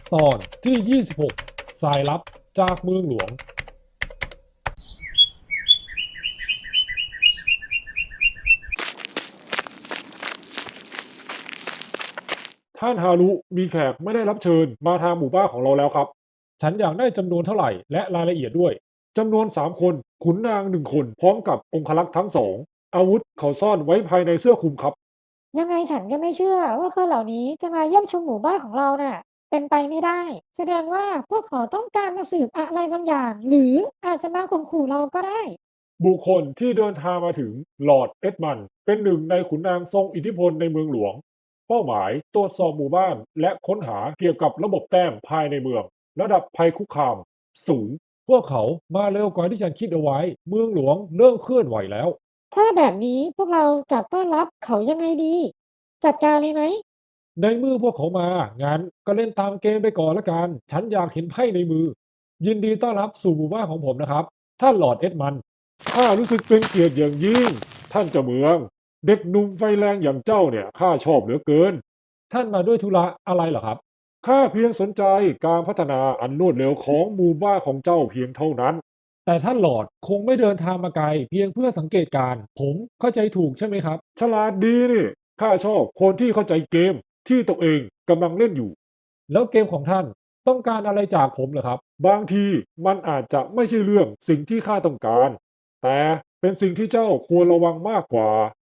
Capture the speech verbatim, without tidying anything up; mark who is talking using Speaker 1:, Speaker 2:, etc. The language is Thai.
Speaker 1: ตอนที่ยี่สิบหกสายลับจากเมืองหลวงท่านฮารุมีแขกไม่ได้รับเชิญมาทางหมู่บ้านของเราแล้วครับฉันอยากได้จำนวนเท่าไหร่และรายละเอียดด้วยจำนวนสามคนขุนนางหนึ่งคนพร้อมกับองครักษ์ทั้งสองอาวุธเขาซ่อนไว้ภายในเสื้อคลุมครับ
Speaker 2: ยังไงฉันก็ไม่เชื่อว่าคนเหล่านี้จะมาเยี่ยมชมหมู่บ้านของเราน่ะเป็นไปไม่ได้แสดงว่าพวกเขาต้องการมาสืบอะไรบางอย่างหรืออาจจะมาข่มขู่เราก็ได้
Speaker 1: บุคคลที่เดินทางมาถึงลอร์ดเอ็ดมันด์เป็นหนึ่งในขุนนางทรงอิทธิพลในเมืองหลวงเป้าหมายตรวจสอบหมู่บ้านและค้นหาเกี่ยวกับระบบแต้มภายในเมืองระดับภัยคุกคามสูงพวกเขามาเร็วกว่าที่ฉันคิดเอาไว้เมืองหลวงเริ่มเคลื่อนไหวแล้ว
Speaker 2: ถ้าแบบนี้พวกเราจะต้อนรับเขายังไงดีจัดการเลยไหม
Speaker 1: ในเมื่อพวกเขามางั้นก็เล่นตามเกมไปก่อนละกันฉันอยากเห็นไพ่ในมือยินดีต้อนรับสู่หมู่บ้านของผมนะครับท่านลอร์ดเอ็ดมันด์ข้ารู้สึกเป็นเกียรติอย่างยิ่งท่านเจ้าเมือง เด็กหนุ่มไฟแรงอย่างเจ้าเนี่ยข้าชอบเหลือเกินท่านมาด้วยธุระอะไรเหรอครับข้าเพียงสนใจการพัฒนาอันรวดเร็วของหมู่บ้านของเจ้าเพียงเท่านั้นแต่ท่านหลอดคงไม่เดินทางมาไกลเพียงเพื่อสังเกตการณ์ผมเข้าใจถูกใช่ไหมครับฉลาดดีนี่ข้าชอบคนที่เข้าใจเกมที่ตัวเองกำลังเล่นอยู่แล้วเกมของท่านต้องการอะไรจากผมเหรอครับบางทีมันอาจจะไม่ใช่เรื่องสิ่งที่ข้าต้องการแต่เป็นสิ่งที่เจ้าควรระวังมากกว่า